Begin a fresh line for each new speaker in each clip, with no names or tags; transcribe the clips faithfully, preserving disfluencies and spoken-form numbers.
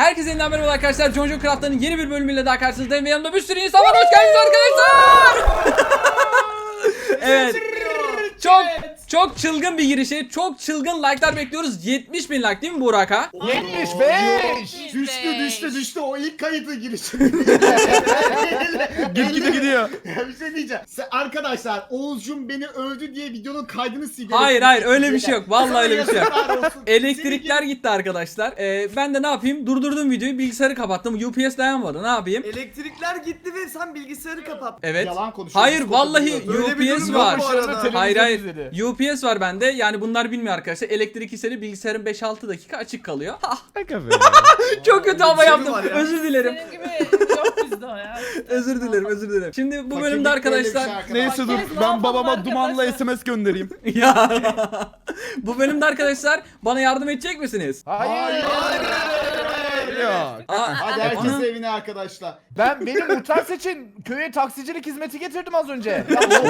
Herkese yeniden merhaba arkadaşlar. Jonjo Craft'ın yeni bir bölümüyle daha karşınızdayım ve yanımda bir sürü insan var. Hoş geldiniz arkadaşlar. Evet. Çok çok çılgın bir girişi, çok çılgın like'lar bekliyoruz. yetmiş bin like değil mi Burak ha?
yetmiş beş.
Düştü düştü düştü o ilk kayıtı girişi.
Gitgide gidiyor.
Ya bir şey diyeceğim. Sen- Arkadaşlar Oğuzcum beni övdü diye videonun kaydını sildi.
Hayır hayır öyle bir şey yok. Vallahi öyle bir şey yok.
Yazıklar olsun.
Elektrikler gitti arkadaşlar. Ee, ben de ne yapayım? Durdurdum videoyu, bilgisayarı kapattım. U P S dayanmadı. Ne yapayım?
Elektrikler gitti ve sen bilgisayarı kapattın.
Evet.
Yalan konuşuyorsun.
Hayır
Biz
vallahi
konuşuyoruz.
Böyle bir
U P S
durum
var.
yok bu arada.
Hayır hayır. U P S var bende. Yani bunlar bilmiyor arkadaşlar. Elektrik hisleri bilgisayarın beş altı dakika açık kalıyor. Çok kötü ama
bir şey mi
yaptım.
var ya?
Özür dilerim.
Senin gibi yok bizde o ya.
Özür dilerim, özür dilerim. Şimdi bu
Fakirlik
bölümde
böyle bir şey
arkadaşlar
arkadaşlar.
Neyse dur
Herkes ne
ben
yapalım
babama dumanla
arkadaşlar?
S M S göndereyim.
ya bu bölümde arkadaşlar bana yardım edecek misiniz?
Hayır. Yok.
Aa,
Hadi herkes
Ana.
evine arkadaşlar.
Ben benim muhtar seçin köye taksicilik hizmeti getirdim az önce.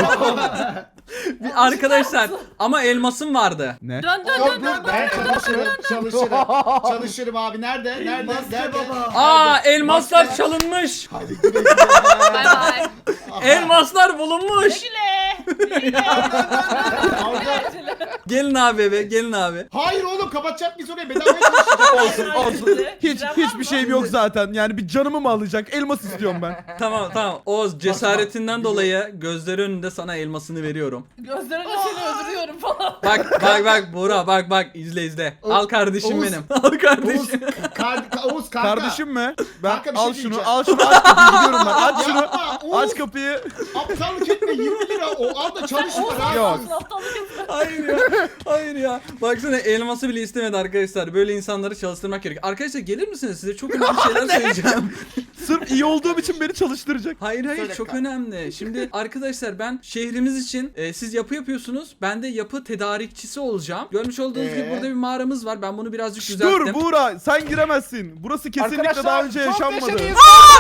bir arkadaşlar ama elmasım vardı.
Ne?
Dön dön
Yok,
dön dön.
ben çalışırım, çalışırım. Çalışırım abi. Nerede? Nerede?
Maske
Nerede?
baba.
Aa elmaslar
Maske-
çalınmış.
Hadi güle güle.
Bay bay.
Elmaslar bulunmuş.
Güle. Güle.
Aldı.
Gelin abi eve, gelin abi.
Hayır oğlum kapatacak biz oraya bedavaya çalışacağız.
Olsun. Hiç hiçbir şeyim yok zaten. Yani bir canımı mı alacak? Elmas istiyorum ben.
Tamam tamam. Oğuz cesaretinden dolayı gözleri önünde sana elmasını veriyorum.
Gözlerine seni öldürüyorum falan.
Bak bak bak Buğra bak bak izle izle. Al kardeşim
Oğuz.
benim. Al
Oğuz,
kardeşim.
kar, Oğuz kanka.
Kardeşim mi? Ben
Kanka bir şey
al şunu,
diyeceğim.
al şunu aç kapıyı gidiyorum ben. Aç şunu.
Yapma, Oğuz.
Aç kapıyı.
Aptallık etme yirmi lira o al da çalış
Oğuz
para.
Yok.
alsın, aptallık etme.
Hayır ya. Hayır ya. Baksana elması bile istemedi arkadaşlar. Böyle insanları çalıştırmak gerekiyor. Arkadaşlar gelir misiniz? Size çok önemli şeyler söyleyeceğim.
Sırf iyi olduğum için beni çalıştıracak.
Hayır hayır
Söyle
çok
kanka.
önemli. Şimdi arkadaşlar ben şehrimiz için e, siz yapı yapıyorsunuz. Ben de yapı tedarikçisi olacağım. Görmüş olduğunuz gibi
Ee?
burada bir mağaramız var. Ben bunu birazcık
Şş,
düzelttim.
dur Buğra sen giremezsin. Burası kesinlikle
Arkadaşlar,
daha önce
çok
yaşanmadı.
neşeliyiz.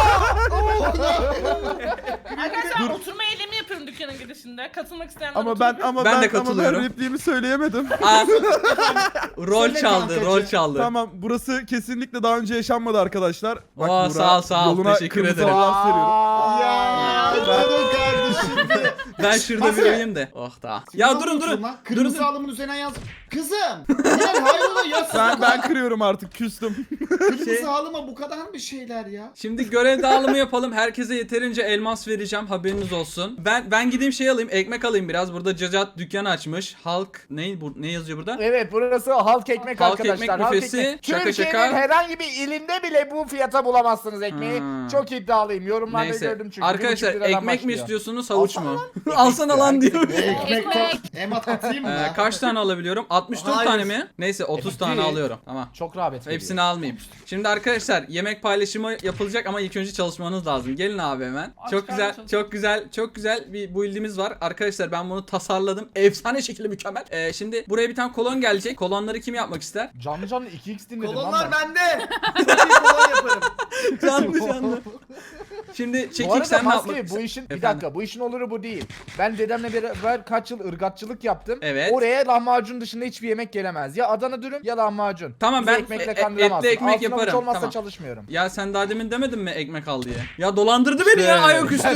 Arkadaşlar oturma eylemi yapıyorum dükkanın girişinde. Katılmak isteyenler
Ama ben
oturabilir.
ama
Ben
ben,
de
ama ben
katılıyorum.
repliğimi söyleyemedim.
Aa, rol
Söyle
çaldı,
kankacığım.
rol çaldı.
Tamam burası kesinlikle daha önce yaşanmadı arkadaşlar. Bak
Oo,
Buğra,
sağ ol, sağ ol.
yoluna
Teşekkür
kırmızı
ederim.
halat seriyorum.
Ya. Durun kardeşim.
Ben şurada
Nasıl?
bir uyuyayım de. Oh da. Ya durun durun.
Lan. Kırmızı
Durun.
alımın üzerine yaz. Kızım. Yani hayrola ya.
Ben ben kırıyorum artık küstüm.
Kırmızı
Şey-
halıma bu kadar mı şeyler ya?
Şimdi görev dağılımı yapalım. Herkese yeterince elmas vereceğim. Haberiniz olsun. Ben ben gideyim şey alayım. Ekmek alayım biraz. Burada Cacat dükkan açmış. Halk ne bu ne yazıyor burada?
Evet burası halk ekmek
Halk
arkadaşlar.
ekmek büfesi, şaka
Türkiye'nin
şaka.
herhangi bir ilinde bile bu fiyata bulamazsınız ekmeği.
Hmm.
Çok iddialıyım. Yorumlarda
Neyse.
gördüm çünkü.
Arkadaşlar
Bir buçuk liradan
ekmek mi
başlıyor.
istiyorsunuz havuç mu? Alsana lan diyor.
Ekmek to- Emat atayım mı?
Ee,
lan?
kaç tane alabiliyorum? altmış dört
Hayır.
tane mi? Neyse otuz
Evet,
tane
değil.
alıyorum. Tamam.
Çok rağbet veriyor.
Hepsini almayayım. Şimdi arkadaşlar yemek paylaşımı yapılacak ama ilk önce çalışmanız lazım. Gelin abi hemen.
Aç
Çok güzel,
karnı
çok güzel, çok güzel bir build'imiz var. Arkadaşlar ben bunu tasarladım. Efsane şekilde mükemmel. Ee, şimdi buraya bir tane kolon gelecek. Kolonları kim yapmak ister?
Canlı canlı iki x dinledim lan
Kolonlar
ben.
bende. Bir kolon yaparım.
Canlı canlı. Şimdi
Bu
çekik
arada
sen ne
Maske
yapmak
bu işin bir
Efendim?
dakika bu işin oluru bu değil. Ben dedemle beraber kaç yıl ırgatçılık yaptım.
Evet.
Oraya lahmacun dışında hiçbir yemek gelemez. Ya Adana dürüm ya lahmacun.
Tamam,
Bizi
ben
ekmekle
e- e-
kandıramazsın.
etli ekmek
Altına avuç
yaparım,
olmazsa
tamam.
çalışmıyorum.
Ya sen daha demin demedin mi ekmek al diye? Ya dolandırdı beni ya ayaküstü.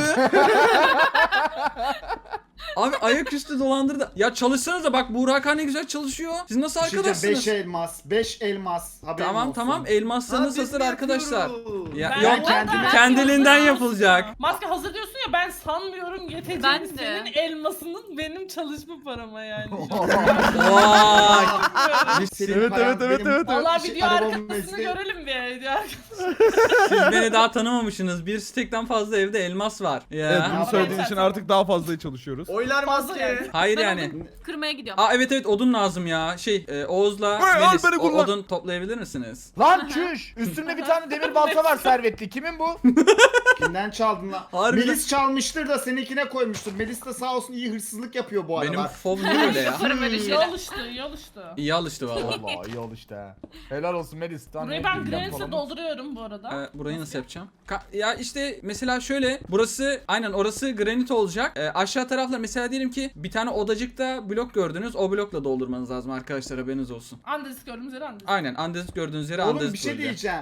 Abi ayaküstü dolandırdı. Ya çalışsanıza bak Burak Han ne güzel çalışıyor. Siz nasıl
Bir şey diyeceğim,
arkadaşsınız?
beş elmas. beş elmas. Haberin
Tamam
olsun.
tamam
Ha,
elmaslarınız
biz
hazır
mi
arkadaşlar.
yapıyoruz?
Ya
Ben-
yok
kendime-
kendiliğinden yapılacak.
Maske hazır diyorsun ya, ben sanmıyorum yeteceğini
Ben de.
senin elmasının benim çalışma parama yani.
Vay.
Senin
Evet,
paran
evet, evet,
benim-
evet, evet.
Valla
Şey,
video
arabamın
arkasını
mesleği.
görelim bir video arkasını.
Siz beni daha tanımamışsınız. Bir stekten fazla evde elmas var. Ya.
Evet bunu
Ama
söylediğin
ben-
için artık daha fazla çalışıyoruz.
Oylar
Fazla
maske.
yani.
Hayır
Ben
yani.
odun kırmaya gidiyorum.
Aa evet evet odun lazım ya. Şey e, Oğuz'la
Hey,
Melis
al beni
o-
kullan.
odun toplayabilir misiniz?
Lan çüş! Üstünde bir tane demir balta var servetli. Kimin bu?
Kimden çaldın lan?
Harbiden.
Melis çalmıştır da seninkine koymuştur. Melis de sağ olsun iyi hırsızlık yapıyor bu arada.
Benim fov niye öyle ya?
Yaparım öyle
İyi
şeyler.
alıştı, iyi alıştı.
İyi alıştı valla.
Vallahi iyi ol işte. ha. Helal olsun Melis. Lan
Burayı
ne
ben
diyeyim
granit'le
falan.
dolduruyorum bu arada.
Ee, burayı nasıl yapacağım? Ka- ya işte mesela şöyle burası aynen orası granit olacak. Ee, aşağı taraflar mesela diyelim ki bir tane odacıkta blok gördünüz. O blokla doldurmanız lazım arkadaşlar haberiniz olsun.
Andezit gördüğümüz yere andezit.
Aynen andezit gördüğünüz yere
Oğlum
andezit
bir şey
koyacağım.
diyeceğim.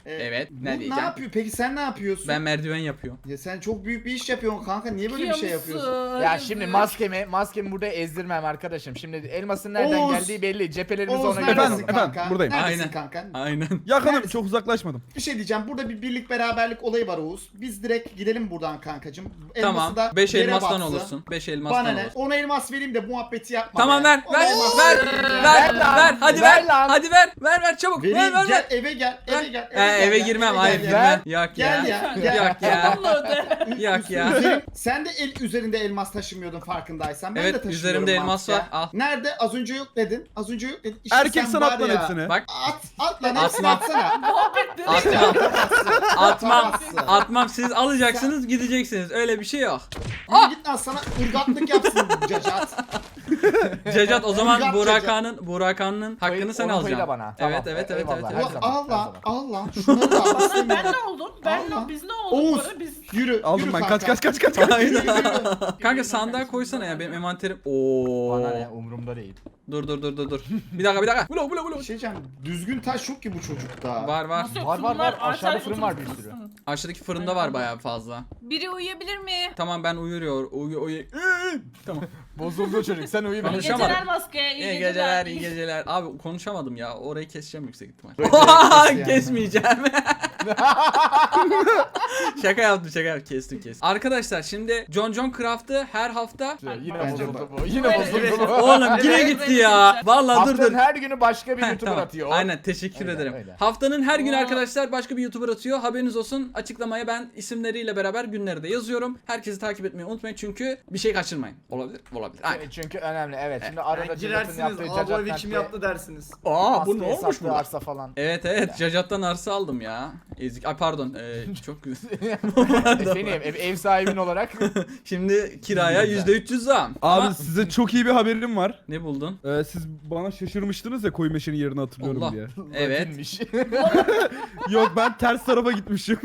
Ee,
Evet,
bu
ne
ne
diyeceğim?
yapıyor? Peki sen ne yapıyorsun?
Ben merdiven yapıyorum.
Ya sen çok büyük bir iş yapıyorsun kanka. Niye böyle bir şey yapıyorsun?
Ya şimdi maskemi, maskemi burada ezdirmem arkadaşım. Şimdi elmasın nereden
Oğuz.
geldiği belli. Cephelerimizi
Oğuz
ona göre
Efendim,
neredesin
alalım.
efendim,
kanka?
buradayım.
Neredesin
Aynen.
kanka?
Aynen.
Yakınım,
Neredesin?
çok uzaklaşmadım.
Bir şey diyeceğim. Burada bir birlik beraberlik olayı var Oğuz. Biz direkt gidelim buradan kankacım.
Tamam.
da
beş
yere
elmastan
batsın.
olursun. beş elmastan
Bana ne?
olursun.
Ona elmas vereyim de muhabbeti yapma.
Tamam
be.
ver
Ona
ver
elmas
ver
vereyim ya.
ver
Ver lan,
ver hadi
ver
ver
lan.
hadi ver ver ver çabuk ver
Vereyim,
ver
gel,
ver.
eve gel, eve gel.
He,
gel
eve
ya,
girmem
eve
hayır
gel
girmem.
ya.
Yok
Gel
ya.
ya, gel.
Yok ya.
Bununla öde.
Yok ya.
Üzerin- sen de el üzerinde elmas taşımıyordun farkındaysan. Ben
Evet,
de taşımıyorum
üzerimde elmas
mantıken.
var, al.
Nerede? Az önce yok dedin. Az önce yok dedin. İşte
Erkek
sen
sana
var
at lan
ya.
hepsini.
Bak
At, at lan hepsini
Atma.
atsana.
atmam. atmam.
Atamazsın.
Atmam siz alacaksınız gideceksiniz. Öyle bir şey yok.
Yürü git lan sana ırgatlık yapsın Cacat.
Cecat o zaman
Irgat
Burakan'ın Burakan'ın hakkını
Koy-
sen
onu
alacaksın.
koyla bana. Tamam,
Evet evet evet evet.
eyvallah.
evet.
Her zaman,
al
her
lan,
zaman.
al lan. Şunları da al.
Ben
istemiyorum.
ne oldum? Ben
Allah.
ne? Biz ne olduk?
Oğuz.
Böyle biz...
Yürü,
Aldım
yürü
ben.
kanka.
Kaç kaç kaç kaç kaç.
Yürü, yürü.
Kanka sandığa koysana ya benim envanterim. Oo.
Bana ne umurumda değil.
Dur dur dur dur dur. Bir dakika bir dakika. Vlog vlog
Bir
vlog.
şey diyeceğim. Düzgün taş yok ki bu çocukta.
Var var.
Nasıl yok?
Var, var,
Fırınlar,
var. Aşağıda
aşağıya
fırın var bir
oturmuş
sürü.
musun?
Aşağıdaki fırında var bayağı fazla.
Biri uyuyabilir mi?
Tamam ben uyuyor. Uyu uyu. Tamam.
Bozuldu çocuk. Sen uyu ben.
İyi
Konuşamadım.
geceler maske. İyi,
İyi geceler, iyi geceler. Abi konuşamadım ya. Orayı keseceğim yüksek ihtimal.
yani.
Kesmeyeceğim. şaka yaptım, şaka yaptım. Kestim, kestim. Arkadaşlar şimdi John John Craft'ı her hafta
Yine
Bence
bozuldu
bak.
bu. Yine bozuldu bu.
Oğlum yine gitti ya. Vallahi dur dur.
Haftanın her günü başka bir
Heh,
YouTuber
tamam.
atıyor.
Aynen teşekkür
Öyle,
ederim.
öyle.
Haftanın her günü
Oo.
arkadaşlar başka bir YouTuber atıyor. Haberiniz olsun. Açıklamaya ben isimleriyle beraber günleri de yazıyorum. Herkesi takip etmeyi unutmayın çünkü bir şey kaçırmayın. Olabilir, olabilir. Aynen.
Çünkü önemli evet. Şimdi arada
Yani
Cacat'ın
girersiniz.
yaptığı
Aa bu evi
Cacat
kim
Mert'e
yaptı dersiniz.
Aa
maske hesaplı arsa falan.
Evet evet Cacat'tan arsa aldım ya. Ezik. Ay pardon. Ee, çok güzel.
Efendim ev, ev sahibin olarak.
Şimdi kiraya yüzde üç yüz zam.
Abi
Ama
size çok iyi bir haberim var.
ne buldun?
Ee, siz bana şaşırmıştınız ya koyu meşenin yerini hatırlıyorum
Allah.
diye.
Evet.
Latinmiş.
Yok ben ters tarafa gitmişim.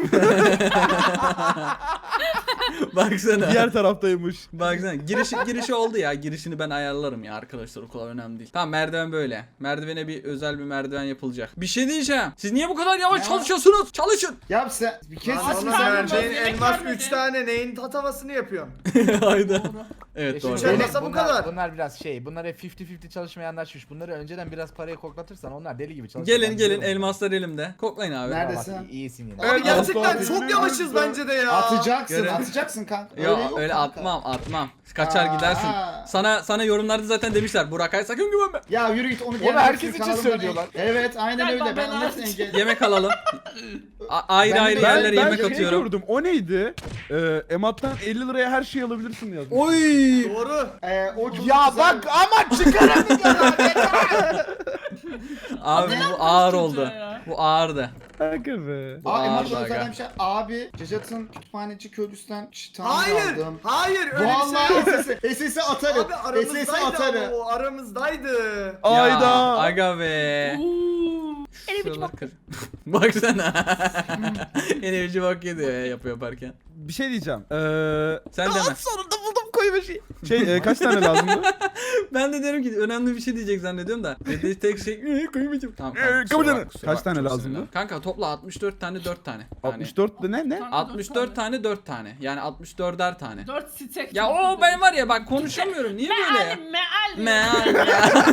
Baksana.
Diğer taraftaymış.
Baksana. Girişi, girişi oldu ya. Girişini ben ayarlarım ya arkadaşlar. O kadar önemli değil. Tamam merdiven böyle. Merdivene bir özel bir merdiven yapılacak. Bir şey diyeceğim. Siz niye bu kadar yavaş
Ya.
çalışıyorsunuz? Çalışın.
Ya sen bir kez
Lan
Aç
oğlum
karnım
vereceğin
doydu, yemek
elmas
vermedi.
üç tane neyin tatavasını yapıyorsun?
Hayda. Evet
Şimdi
doğru.
Şey-
bunlar-
Elmasa bu
bunlar-
kadar.
Bunlar biraz şey. Bunlar hep elli elli çalışmaya anlaşmış. Bunları önceden biraz parayı koklatırsan onlar deli gibi çalışıyor.
Gelin
Ben
gelin
biliyorum.
elmaslar elimde. Koklayın abi.
Nerede?
Bak,
Neredesin?
iyisin yine.
Abi
Evet,
gerçekten
asla
çok
değil.
yavaşız bence de ya.
Atacaksın,
Görelim.
atacaksın kanka.
Ya
yok
öyle
kanka.
atmam atmam. Kaçar
Aa.
gidersin. Sana sana yorumlarda zaten demişler. Burak Ay sakın güvenme.
Ya yürü git onu
Onu
diğer
herkes
hepsini
için
kanalımdan
söylüyorlar.
en- Evet aynen
Galiba
öyle. Ben
ben
onun hepsini
hariç.
engel.
Yemek alalım. A- ayrı
Ben-
ayrı
ben-
yerlere
ben
yemek
şey
atıyorum.
gördüm. O neydi? Ee, Emat'tan elli liraya her şeyi alabilirsin yazmış.
Oy!
Doğru.
Ee, o çok
Ya
güzel-
bak ama çıkaramıyorum.
Abi bu
yaptın
ağır
çocuğa
oldu.
ya?
Bu ağırdı.
Kanka be.
Bu
Aa
ağır
Emat
aga.
özel bir şey. Abi Cacat'ın kütüphaneci köylüsünden çıtan
Hayır.
aldım.
Hayır öyle bir şey
Vallahi
yok.
S S'i S S'i atarım.
Abi
S S'i
aramızdaydı
atarım.
ama o aramızdaydı.
Ayda.
Ya, aga be.
Uuu.
Şuralar kır. Baksana. Enerji bak yedi ya yapıyor yaparken.
Bir şey diyeceğim. Ee,
Sen deme.
sonunda buldum koyu meşeyi. Şey e, kaç tane lazımdı?
Ben de derim ki önemli bir şey diyecek zannediyorum da. Dediği tek şey "Ee, koymayacağım. Tamam
Ee,
kanka, kusura
kabul
bak,
edin.
kusura
Kaç
bak,
tane
çok
lazımdı?
sinirlendim. Kanka topla altmış dört tane dört tane. Yani
altmış dört de ne ne?
altmış dört tane dört tane. Yani altmış dörder tane.
Dört stek.
Ya o ben var ya bak konuşamıyorum. Niye böyle ya?
Meal, meal.
Meal ya.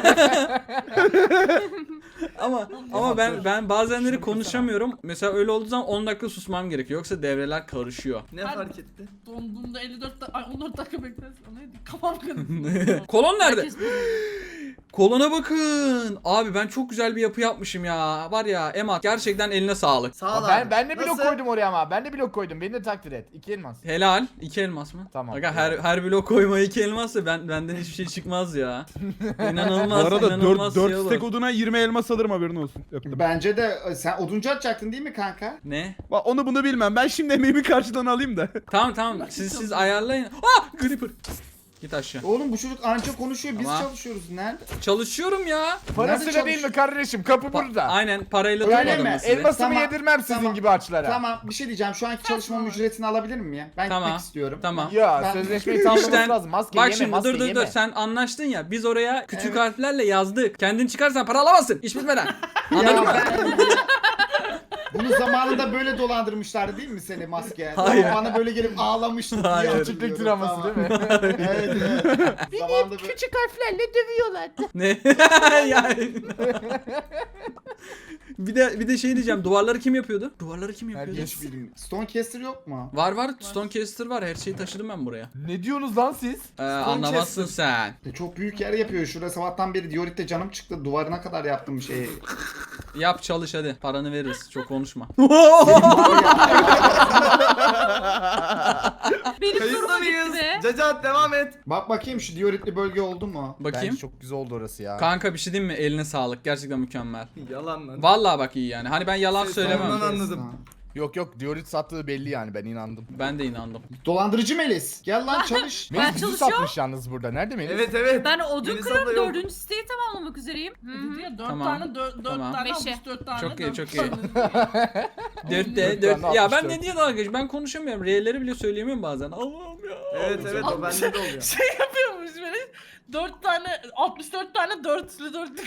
ama ama ben ben bazenleri konuşamıyorum. Mesela öyle olduğu zaman on dakika susmam gerekiyor. Yoksa devreler karışıyor.
Ne
Ben-
fark etti?
Donduğumda elli dört dakika, ay on dört dakika beklersin. O neydi? Kafam kırıldı.
Kolon nerede?
Herkes-
Kolona bakın. Abi ben çok güzel bir yapı yapmışım ya. Var ya Emat gerçekten eline sağlık.
Sağ ol
ben
abi.
ben de blok
Nasıl?
koydum oraya ama. Ben de blok koydum. Beni de takdir et. İki elmas.
Helal. İki elmas mı?
Tamam.
Aga her her blok koyma iki elmassa ben benden hiçbir şey çıkmaz ya.
Bu
İnanılmaz.
arada
inanılmaz
dört
şey olur.
stek oduna yirmi elmas alırım haberin olsun. Öptüm.
Bence de e, sen oduncu atacaktın değil mi kanka?
Ne?
Bak onu bunu bilmem. Ben şimdi emeğimi karşıdan alayım da.
Tamam tamam. Siz siz ayarlayın. Ah! Creeper. Git aşağı.
Oğlum bu çocuk anca konuşuyor biz
Ama-
çalışıyoruz. Nerede?
Çalışıyorum ya.
Parasıyla
Nerede
değil mi kardeşim? Kapı
Pa-
burada.
Aynen parayla
Öyle
tutmadım
mi?
mı sizi?
Elmasımı
Tamam,
yedirmem sizin
tamam.
gibi açlara.
Tamam bir şey diyeceğim. Şu anki çalışmamın ücretini alabilir miyim ya? Ben
Tamam.
gitmek istiyorum.
Tamam.
Ya
Ben-
sözleşmeyi tamamlaması
İşten-
lazım. Maske
Bak
yeme,
şimdi
maske
dur dur
yeme.
dur sen anlaştın ya biz oraya küçük
Evet.
harflerle yazdık. Kendin çıkarsan para alamazsın. İş bitmeden.
Ya
Anladın mı?
ben- Bunu zamanında böyle dolandırmışlardı değil mi seni maske?
Hayır.
Bana böyle gelip ağlamıştın diye
Hayır.
hatırlıyorum.
Küçüklük draması
Tamam.
değil mi?
Evet evet. Zamanında böyle...
Küçük harflerle dövüyorlardı.
Ne? yani. bir de bir de şey diyeceğim. Duvarları kim yapıyordu? Duvarları kim yapıyordu?
Herkes.
Stonecaster yok mu?
Var var. Stonecaster var. Her şeyi taşıdım ben buraya.
Ne diyorsunuz lan siz?
Ee, anlamazsın sen.
E, Çok büyük yer yapıyor. Şurada sabahtan beri Diorit'te canım çıktı. Duvarına kadar yaptım şeyi.
Yap çalış hadi. Paranı veririz. Çok konuşma.
Benim
Kayıtta
duruma
mıyız?
gitti be.
Cacat devam et.
Bak bakayım şu Diorit'li bölge oldu mu?
Bakayım.
Bence çok güzel oldu orası ya.
Kanka bir şey diyeyim mi? Eline sağlık. Gerçekten mükemmel.
Yalan lan.
Vallahi bak iyi yani. Hani ben yalan
Ses
söylemem.
tonundan anladım.
Yok yok Diorit sattığı belli yani ben inandım.
Ben de inandım.
Dolandırıcı Melis. Gel lan çalış.
Ben
Melis bizi
çalışıyorum.
satmış yalnız burada. Nerede Melis?
Evet evet.
Ben odun
Melis
kırıp
abla yok.
dördüncü siteyi tamamlamak üzereyim. Hı
Dedi ya dört
Tamam.
tane dört, dört
Tamam.
tane
Beşe.
almış dört tane.
Çok iyi,
dört
çok
tane.
Dörtte
Dört
dört.
tane
Ya ben
altmış
ne
dört.
diye dalga geçiyorum? Ben konuşamıyorum. R'leri bile söyleyemiyorum bazen. Allah'ım ya.
Evet evet o bende de oluyor.
Şey yapıyormuş böyle. dört tane altmış dört tane dörtlü dörtlü.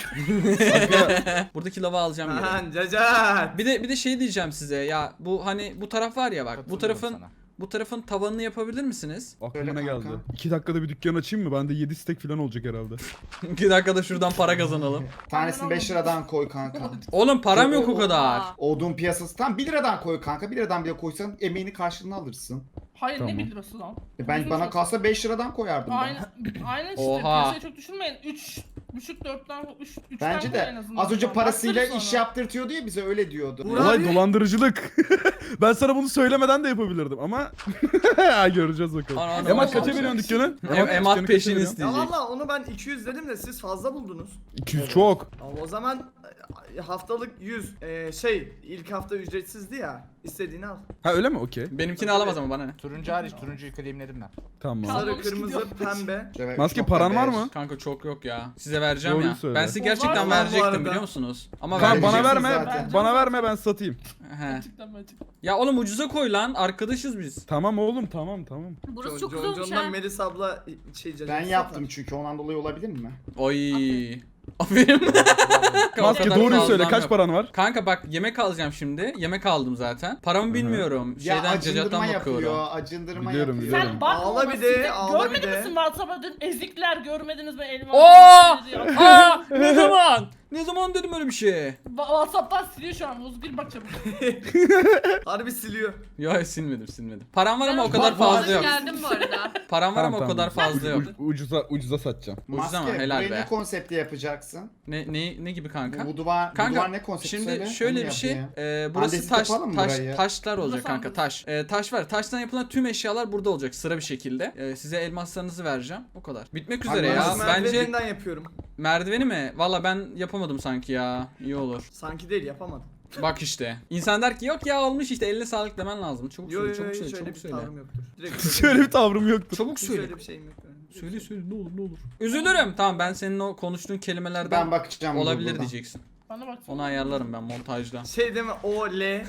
Buradaki lava alacağım geri.
Ahan Cacat.
Bir de bir de şey diyeceğim size. Ya bu hani bu taraf var ya bak. Bu
Katılıyorum
tarafın
sana.
bu tarafın tavanını yapabilir misiniz?
Aklıma
Öyle
ne
kanka.
geldi? iki dakikada bir dükkan açayım mı? Bende yedi stek falan olacak herhalde.
iki dakikada şuradan para kazanalım.
Tanesini beş liradan koy kanka.
Oğlum param yok o kadar.
Odun piyasası tam bir liradan koy kanka. bir liradan bile koysan emeğini karşılığını alırsın.
Hayır
Tamam.
ne bir lirası lan?
E ben bana kalsa beş liradan koyardım ben.
Aynen, aynen işte
Oha.
piyasayı çok düşünmeyin. üç buçuk dörtten üç üçten
Bence
koy
de
en azından.
az önce parasıyla
Bakarız
iş
sonra.
yaptırtıyordu ya bize öyle diyordu.
Uğur
Olay
abi.
dolandırıcılık. Ben sana bunu söylemeden de yapabilirdim ama göreceğiz bakalım.
Ana, ana,
Emat
ana.
kaça veriyorsun dükkanı?
Em- Emat
dükkanı
peşin
kaça veriyorsun?
Ya
isteyecek.
valla onu ben iki yüz dedim de siz fazla buldunuz.
iki yüz çok.
Ama o zaman e, haftalık yüz e, şey ilk hafta ücretsizdi ya. İstediğini al.
Ha öyle mi? Okey.
Benimkini alamaz ama bana ne?
Turuncu hariç turuncuyu claimledim ben.
Tamam.
Sarı,
Almamış
kırmızı,
gidiyor.
pembe.
Evet,
Maske
nokta
paran var
beş.
mı?
Kanka çok yok ya. Size vereceğim
Doğruyu
ya.
söyle.
Ben size
O
gerçekten
var
bu
verecektim
arada.
biliyor musunuz? Ama
Kanka bana
Vereceksin
verme.
zaten.
Bana verme ben satayım.
He.
Gerçekten ben çıktım.
Ya oğlum ucuza koy lan. Arkadaşız biz.
Tamam oğlum tamam tamam.
Burası
John-
çok
John-
güzel olmuş
John'dan
ha.
Melis abla şey Cacat
Ben
satar.
yaptım çünkü ondan dolayı olabilir mi?
Oy. Aferin. O
Maske
kadar
doğruyu söyle
fazlam
kaç
yok.
paran var?
Kanka bak yemek alacağım şimdi. Yemek aldım zaten. Paramı bilmiyorum.
Ya
Şeyden
acındırma
cacattan
yapıyor,
bakıyorum.
acındırma
Biliyorum,
yapıyor.
biliyorum.
Sen bakma
Ağla
ona,
bir de,
siz de-
ağla bir
Görmedin
de.
misin WhatsApp'a dün ezikler görmediniz mi elma?
Oo! Aa, ne zaman? Ne zaman dedim öyle bir şey?
WhatsApp'tan siliyor şu an. Bozgül bak çabuk.
Harbi siliyor.
Ya silmedim silmedim. Param var ama o
Ben-
kadar
Bak-
fazla
Hoş
yok.
geldin bu arada.
Param var ama o
Tamam,
kadar
tamam.
fazla yok.
U- ucuza ucuza satacağım.
Ucuz ama
Maske,
helal
burayı
be.
ne konsepti yapacaksın?
Ne ne ne gibi kanka?
Bu, bu duvar, bu
Kanka
duvar ne konsepti
şimdi
söyle,
şöyle
onu
bir şey.
yapayım.
E, burası
Andezit
taş
yapalım mı
taş
burayı?
taşlar olacak
Burası
kanka
andezit.
taş. E, taş var. Taştan yapılan tüm eşyalar burada olacak sıra bir şekilde. E, size elmaslarınızı vereceğim. O kadar. Bitmek üzere
Abi,
ya.
nasıl
Bence
Merdiveninden yapıyorum.
merdiveni mi? Valla ben yapamadım sanki ya. İyi olur.
Sanki değil yapamadım.
Bak işte. İnsan der ki yok ya olmuş işte eline sağlık demen lazım. Çabuk
Yo yo
söyle,
yo
çabuk söyle,
şöyle
çabuk
bir
söyle.
tavrım yoktur. Direkt
Şöyle bir tavrım yoktu.
Çabuk
Hiç
söyle.
öyle bir şeyim yok. benim.
Söyle söyle ne olur ne olur. Üzülürüm. Tamam ben senin o konuştuğun kelimelerden
Ben bakacağım.
olabilir
buradan.
diyeceksin.
Bana bak.
Onu ayarlarım ben montajda.
Şey deme o L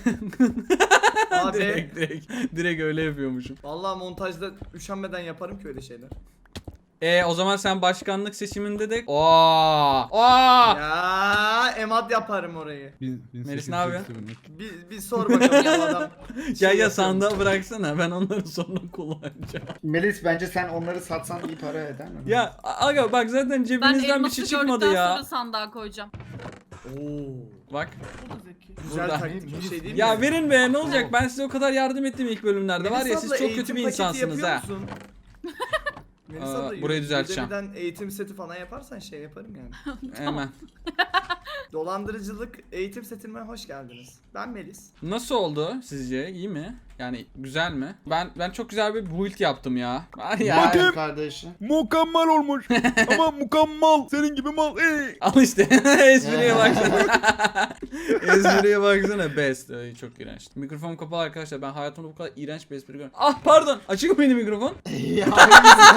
A B.
direkt direkt direkt öyle yapıyormuşum.
Vallahi montajda üşenmeden yaparım ki öyle şeyler.
E o zaman sen başkanlık seçiminde de Aa! Aa!
Ya emat yaparım orayı.
Bin- bin
Melis
sekiz
ne
yüz
yapıyor?
seksen üç.
Bir, bir sor bakalım bu adam.
Ya
şey
ya
yapıyor mu?
sandığa bıraksana ben onları sonra kullanacağım.
Melis bence sen onları satsan iyi para eder mi?
Ya aga bak zaten
Ben
cebinizden bir
elması
şey
gördükten
çıkmadı ya.
sonra sandığa koyacağım.
Oo.
Bak.
O da zeki.
Güzel
Burada.
taktik bir şey değil mi?
Ya verin be ne olacak ben size o kadar yardım ettim ilk bölümlerde var ya
Melis
siz
abla,
çok
eğitim
kötü bir
paketi
insansınız
yapıyor
ha.
musun? Melis
Aa,
abla,
burayı düzelteceğim.
Udemy'den eğitim seti falan yaparsan şey yaparım yani.
Hemen.
Dolandırıcılık eğitim setime hoş geldiniz. Ben Melis.
Nasıl oldu sizce? İyi mi? Yani güzel mi? Ben ben çok güzel bir build yaptım ya. Var ya.
Bakın.
Bakın kardeşim.
Mükemmel olmuş. Ama mükemmel. Senin gibi mal. Ey.
Al işte. Espriye baksana. Espriye baksana. Best. Ay, çok iğrenç. Mikrofon kapalı arkadaşlar. Ben hayatımda bu kadar iğrenç bir espri görmedim. Ah pardon. Açık mı benim mikrofon?
Ya,
Yok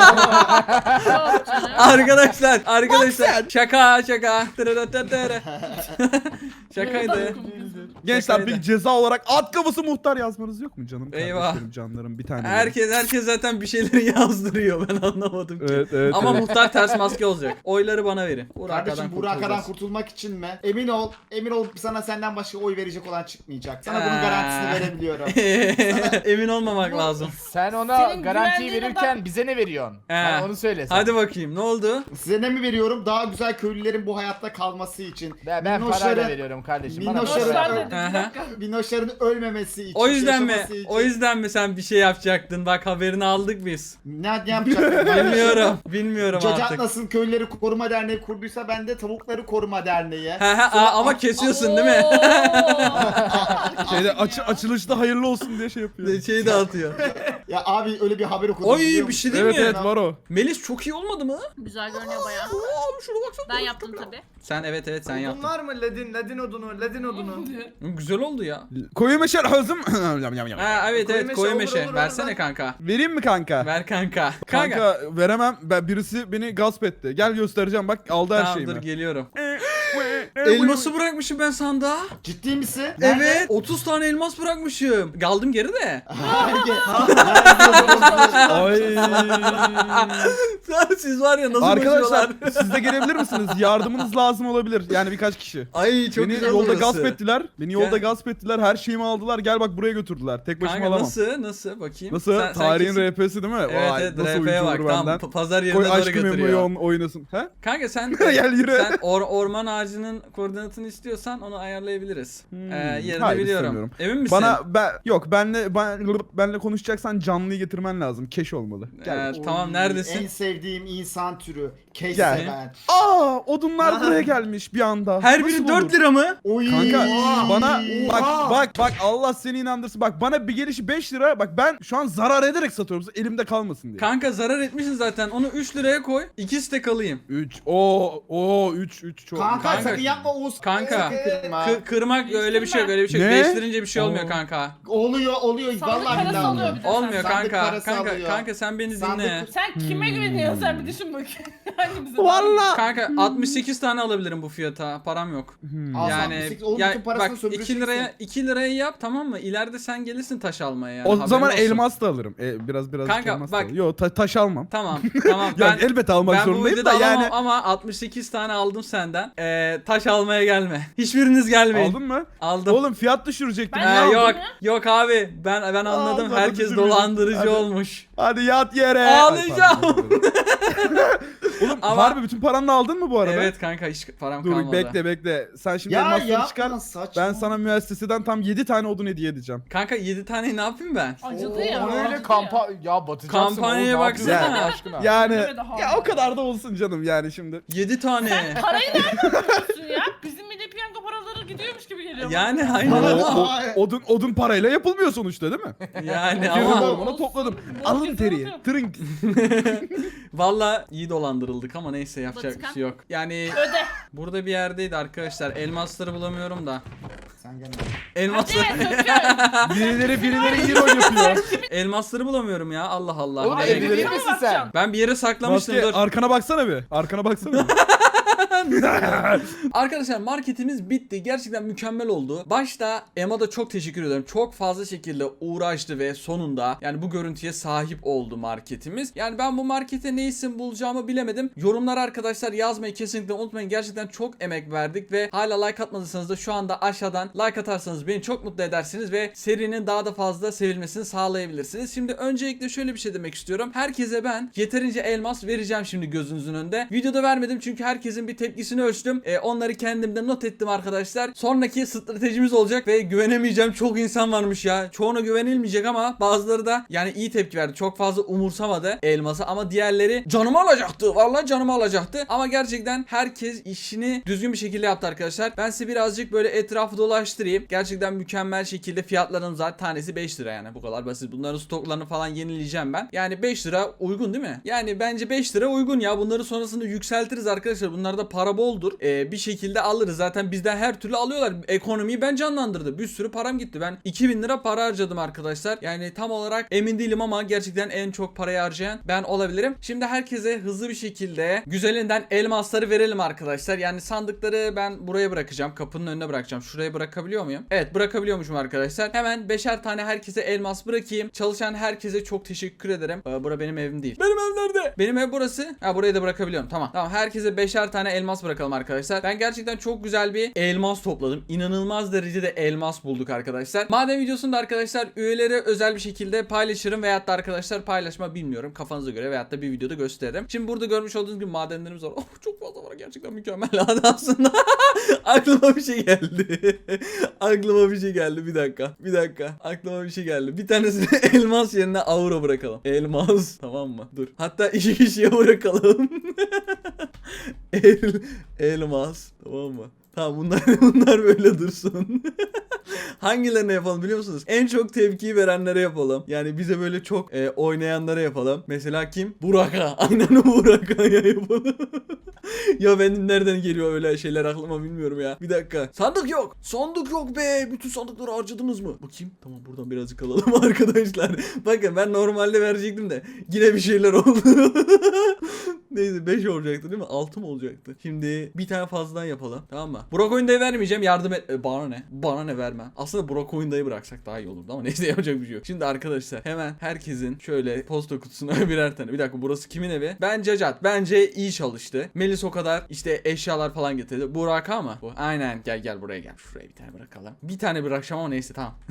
canım.
Arkadaşlar. Arkadaşlar. Şaka şaka. Tırırırırırı. Şakaydı.
Gençler
Şakaydı.
bir ceza olarak at kafası muhtar yazmanız yok mu canım?
Eyvah.
Kardeşlerim, canlarım bir tane.
Herkes herkes zaten bir şeyleri yazdırıyor, ben anlamadım ki.
Evet evet.
Ama
evet.
muhtar ters maske olacak. Oyları bana verin.
Kardeşim Burak'tan
kurtulacağız.
kurtulmak için mi? Emin ol, emin ol sana senden başka oy verecek olan çıkmayacak. Sana bunun
Ee.
garantisini verebiliyorum.
Emin olmamak lazım.
Sen ona
Senin
garantiyi
güvenliğine
verirken bize ne veriyorsun? Bana onu söyle sen.
Hadi bakayım ne oldu?
Size ne mi veriyorum? Daha güzel köylülerin bu hayatta kalması için.
Ben, ben
Minnoşların-
parayla veriyorum kardeşim. Bana
Minnoşların-
para
Boşver
ver.
dedi
Aha.
bir dakika.
Minnoşların ölmemesi için.
O yüzden mi?
yaşaması için.
O yüzden mi sen bir şey yapacaktın? Bak haberini aldık biz.
Ne, ne yapacaktım?
Bilmiyorum. Bilmiyorum
Cacat
artık.
nasıl Köyleri Koruma Derneği kurduysa ben de Tavukları Koruma Derneği.
He he aa, ama kesiyorsun değil mi?
Şeyde açı, açılışta hayırlı olsun diye şey yapıyor.
Şeyi dağıtıyor.
Ya abi öyle bir haber okudum.
Oy,
biliyor
bir şey
musun?
değil
Evet
mi?
evet var o.
Melis çok iyi olmadı mı?
Güzel görünüyor bayağı.
Aa, şuna baksana.
Ben yaptım tabi.
Sen evet evet sen
Odun
yaptın.
var mı ledin? Ledin odunu, ledin odunu.
Güzel oldu ya.
Koyu meşer hazım.
Ha evet
Koyu
evet
meşe
koyu
olur,
meşe.
olur,
Versene
olur.
kanka.
Vereyim mi kanka?
Ver kanka. Kanka.
Kanka veremem. Ben birisi beni gasp etti. Gel göstereceğim bak aldı her
Tamam
şeyimi.
dur geliyorum. Elması bırakmışım ben sandığa.
Ciddi misin?
Evet. otuz tane elmas bırakmışım. Kaldım geri de.
Ay.
Siz var ya nasıl
Arkadaşlar
koşuyorlar?
siz de gelebilir misiniz? Yardımınız lazım olabilir. Yani birkaç kişi.
Ay çok
Beni
güzel
yolda
burası.
gasp ettiler. Beni yolda
Gel.
gasp ettiler. Her şeyimi aldılar. Gel bak buraya götürdüler. Tek başıma
Kanka
alamam.
nasıl? Nasıl? Bakayım.
Nasıl?
Sen- sen
Tarihin
kesin-
R P'si değil mi?
Evet
Vay,
evet
nasıl
R P'ye
oyuncu
bak.
olur
Tamam
benden.
p- pazar yerine
Koy
doğru
aşkı
götürüyor.
memoyu oynasın. He?
Kanka sen
Gel yürü.
sen or- orman ağacının koordinatını istiyorsan onu ayarlayabiliriz.
Hmm,
Ee, yerini
hayır,
biliyorum.
istemiyorum.
Emin misin?
Bana ben yok benle ben, benle konuşacaksan canlıyı getirmen lazım. Keş olmalı. Gel.
Ee, tamam neredesin?
En sevdiğim insan türü. Keş
Gel.
seven.
Aa, odunlar buraya gelmiş bir anda.
Her
Nasıl
biri
olur?
dört lira mı?
Oy.
Kanka bana bak
Oha.
bak bak Allah seni inandırsın. Bak bana bir gelişi beş lira. Bak ben şu an zarar ederek satıyorum. Elimde kalmasın diye.
Kanka zarar etmişsin zaten. Onu üç liraya koy. İkisi de kalayım.
üç. O o üç üç çok.
Kanka,
Kanka.
sakın yapma Oğuz.
Kanka.
Sakın kırma.
Kı- kırmak öyle bir şey yok, öyle bir şey yok.
Ne?
Değiştirince bir şey olmuyor
Oo.
kanka.
Oluyor oluyor.
Sandık
Vallahi
parası
billahi
alıyor
oluyor.
bir de.
Olmuyor
Sandık
kanka.
parası
Kanka
alıyor.
kanka sen beni
Sandık-
dinle.
Sen kime güveniyorsun sen bir düşün bakayım. Hangimize?
Valla.
Kanka altmış sekiz tane alabilirim bu fiyata. Param yok.
Al
Yani
altmış sekiz, oğlum
ya,
bütün parasını
bak
sömüreceksin.
iki liraya iki liraya yap tamam mı? İleride sen gelirsin taş almaya yani.
O
haberin
zaman
olsun.
elmas da alırım. E, biraz biraz
Kanka,
elmas
bak-
da alırım. Yo ta- taş almam.
Tamam tamam ben
Yani elbette almak
ben bu
zorundayım
videoda
da
alamam
yani.
ama altmış sekiz tane aldım senden. Ee, taş almaya gelme. Hiçbiriniz gelmeyin.
Aldın mı?
Aldım.
Oğlum fiyat düşürecektim.
Ben
Ee,
ne aldım
yok
ya?
yok abi ben ben anladım
Aa, bana
herkes
düşürüyorum.
dolandırıcı
Hadi.
olmuş.
Hadi yat yere.
Ağlayacağım.
Ay, pardon. Oğlum
Ama-
harbi bütün paranı aldın mı bu arada?
Evet kanka hiç param
Dur
kalmadı.
bekle bekle. Sen şimdi
Ya
elmasları
yapma
çıkar.
saçma.
Ben sana müesseseden tam yedi tane odun hediye edeceğim.
Kanka yedi tane ne yapayım ben?
Acıdı ya.
O
acıdı
öyle
ya.
kampa ya batacaksın.
Kampanyaya
oğlum, ne
baksana.
yapıyorsun Allah aşkına?
Yani
Deme daha.
ya o kadar da olsun canım yani şimdi.
yedi tane.
Parayı nereden buluyorsun ya? Bizim milli piyango paraları gidiyormuş gibi geliyor.
Yani
O,
aynen.
o- odun odun parayla yapılmıyor sonuçta değil mi?
Yani
Girdim
ama
ormana topladım.
Bol
Alın
kesin
teriyi.
atıyorum.
Trink.
valla iyi dolandırıldık ama neyse yapacak bir
Batıkan.
şey yok. Yani
Öde.
burada bir yerdeydi arkadaşlar. Elmasları bulamıyorum da.
Sen gel.
Hadi
Elmasları
söküyorum.
Birileri birileri iyi rol yapıyor.
elmasları bulamıyorum ya. Allah Allah.
Oğlum
Nereye
evli
gidiyor?
değil misin sen?
Ben bir yere saklamıştım
Maske
dur.
arkana baksana bir. Arkana baksana bir.
Arkadaşlar marketimiz bitti. Gerçekten mükemmel oldu. Başta Emma da çok teşekkür ederim. Çok fazla şekilde uğraştı ve sonunda yani bu görüntüye sahip oldu marketimiz. Yani ben bu markete ne isim bulacağımı bilemedim. Yorumlar arkadaşlar yazmayı kesinlikle unutmayın. Gerçekten çok emek verdik ve hala like atmadıysanız da şu anda aşağıdan like atarsanız beni çok mutlu edersiniz ve serinin daha da fazla sevilmesini sağlayabilirsiniz. Şimdi öncelikle şöyle bir şey demek istiyorum. Herkese ben yeterince elmas vereceğim şimdi gözünüzün önünde. Videoda vermedim çünkü herkesin bir tepkisini ölçtüm. E, onları kendimde not ettim arkadaşlar. Sonraki stratejimiz olacak ve güvenemeyeceğim çok insan varmış ya. Çoğuna güvenilmeyecek ama bazıları da yani iyi tepki verdi. Çok fazla umursamadı elması ama diğerleri canımı alacaktı. Vallahi canımı alacaktı. Ama gerçekten herkes işini düzgün bir şekilde yaptı arkadaşlar. Ben size birazcık böyle etrafı dolaştırayım. Gerçekten mükemmel şekilde fiyatların zaten tanesi beş lira yani. Bu kadar basit. Bunların stoklarını falan yenileyeceğim ben. Yani beş lira uygun değil mi? Yani bence beş lira uygun ya. Bunları sonrasında yükseltiriz arkadaşlar. Bunlar da para para boldur. Ee, bir şekilde alırız. Zaten bizden her türlü alıyorlar. Ekonomiyi ben canlandırdı. Bir sürü param gitti. Ben iki bin lira para harcadım arkadaşlar. Yani tam olarak emin değilim ama gerçekten en çok parayı harcayan ben olabilirim. Şimdi herkese hızlı bir şekilde güzelinden elmasları verelim arkadaşlar. Yani sandıkları ben buraya bırakacağım. Kapının önüne bırakacağım. Şuraya bırakabiliyor muyum? Evet, bırakabiliyormuşum arkadaşlar. Hemen beşer tane herkese elmas bırakayım. Çalışan herkese çok teşekkür ederim. Ee, bura benim evim değil. Benim ev nerede? Benim ev burası. Ha, burayı da bırakabiliyorum. Tamam. Tamam. Herkese beşer tane elmas bırakalım arkadaşlar. Ben gerçekten çok güzel bir elmas topladım. İnanılmaz derecede elmas bulduk arkadaşlar. Maden videosunu da arkadaşlar üyelere özel bir şekilde paylaşırım veyahut da arkadaşlar paylaşma bilmiyorum. Kafanıza göre veyahut da bir videoda gösteririm. Şimdi burada görmüş olduğunuz gibi madenlerimiz var. Oh, çok fazla var. Gerçekten mükemmel aslında. Aklıma bir şey geldi. Aklıma bir şey geldi. Bir dakika. Bir dakika. Aklıma bir şey geldi. Bir tanesini elmas yerine aura bırakalım. Elmas. Tamam mı? Dur. Hatta iki kişiye bırakalım. El, elmas. Tamam mı? Tamam, bunlar bunlar böyle dursun. Hangilerine yapalım biliyor musunuz? En çok tepkiyi verenlere yapalım. Yani bize böyle çok e, oynayanlara yapalım. Mesela kim? Burak'a. Aynen Burak'a yapalım. Ya benim nereden geliyor öyle şeyler aklıma bilmiyorum ya. Bir dakika. Sandık yok. Sandık yok be. Bütün sandıkları harcadınız mı? Bakayım. Tamam, buradan birazcık alalım arkadaşlar. Bakın ben normalde verecektim de yine bir şeyler oldu. Neyse, beş olacaktı değil mi? altı mı olacaktı? Şimdi bir tane fazladan yapalım. Tamam mı? Burak oyundayı vermeyeceğim. Yardım et. E, bana ne? Bana ne verme. Aslında Burak oyundayı bıraksak daha iyi olurdu ama neyse, yapacak bir şey yok. Şimdi arkadaşlar hemen herkesin şöyle posta kutusuna birer tane. Bir dakika, burası kimin evi? Ben Cacat. Bence iyi çalıştı. Melis o kadar işte eşyalar falan getirdi. Burak ama bu. Aynen. Gel gel buraya gel. Şuraya bir tane bırakalım. Bir tane bırakacağım ama neyse, tamam.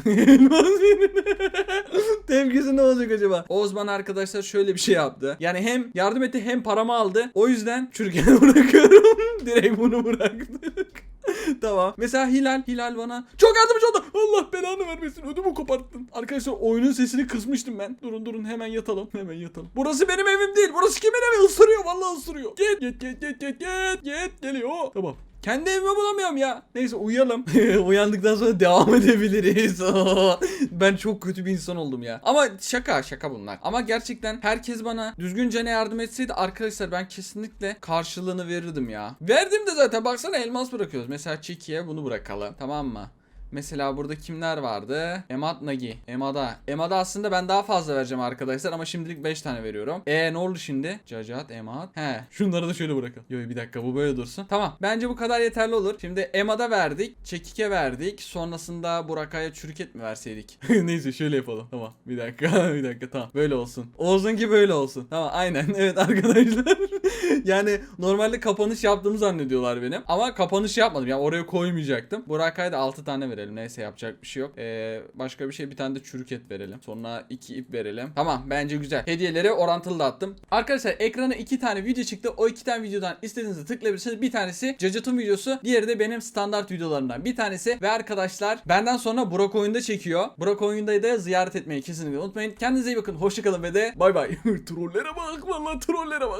Tepkisi ne olacak acaba? Osman arkadaşlar şöyle bir şey yaptı. Yani hem yardım etti hem paramı aldı. O yüzden çürükeni bırakıyorum. Direkt bunu bıraktık. Tamam. Mesela Hilal. Hilal bana çok yardımcı oldu. Allah belanı vermesin. Ödümü koparttın. Arkadaşlar oyunun sesini kısmıştım ben. Durun durun, hemen yatalım. Hemen yatalım. Burası benim evim değil. Burası kimin evi? Isırıyor. Vallahi ısırıyor. Git git git git git git git. Geliyor. Tamam. Kendi evimi bulamıyorum ya. Neyse, uyuyalım. Uyandıktan sonra devam edebiliriz. Ben çok kötü bir insan oldum ya. Ama şaka şaka bunlar. Ama gerçekten herkes bana düzgünce ne yardım etseydi arkadaşlar, ben kesinlikle karşılığını verirdim ya. Verdim de zaten, baksana elmas bırakıyoruz. Mesela Çeki'ye bunu bırakalım. Tamam mı? Mesela burada kimler vardı? Emad Nagi. Emad'a. Emad'a aslında ben daha fazla vereceğim arkadaşlar ama şimdilik beş tane veriyorum. E ne oldu şimdi? Cacat, Emad. He. Şunları da şöyle bırakalım. Yo bir dakika, bu böyle dursun. Tamam. Bence bu kadar yeterli olur. Şimdi Emad'a verdik. Çekik'e verdik. Sonrasında Burak'a çürüket mi verseydik? Neyse şöyle yapalım. Tamam. Bir dakika. Bir dakika. Tamam. Böyle olsun. Olsun ki böyle olsun. Tamam. Aynen. Evet arkadaşlar. Yani normalde kapanış yaptığımı zannediyorlar benim. Ama kapanış yapmadım. Yani oraya koymayacaktım. Burak'a da altı tane verelim. Neyse, yapacak bir şey yok. Ee, başka bir şey, bir tane de çürük et verelim. Sonra iki ip verelim. Tamam, bence güzel. Hediyeleri orantılı dağıttım. Arkadaşlar ekrana iki tane video çıktı. O iki tane videodan istediğinizi tıklayabilirsiniz. Bir tanesi Cacat'ın videosu. Diğeri de benim standart videolarımdan bir tanesi. Ve arkadaşlar benden sonra Burak oyunda çekiyor. Burak oyundayı da ziyaret etmeyi kesinlikle unutmayın. Kendinize iyi bakın. Hoşçakalın ve de bay bay. Trollere bak, vallahi trollere bak.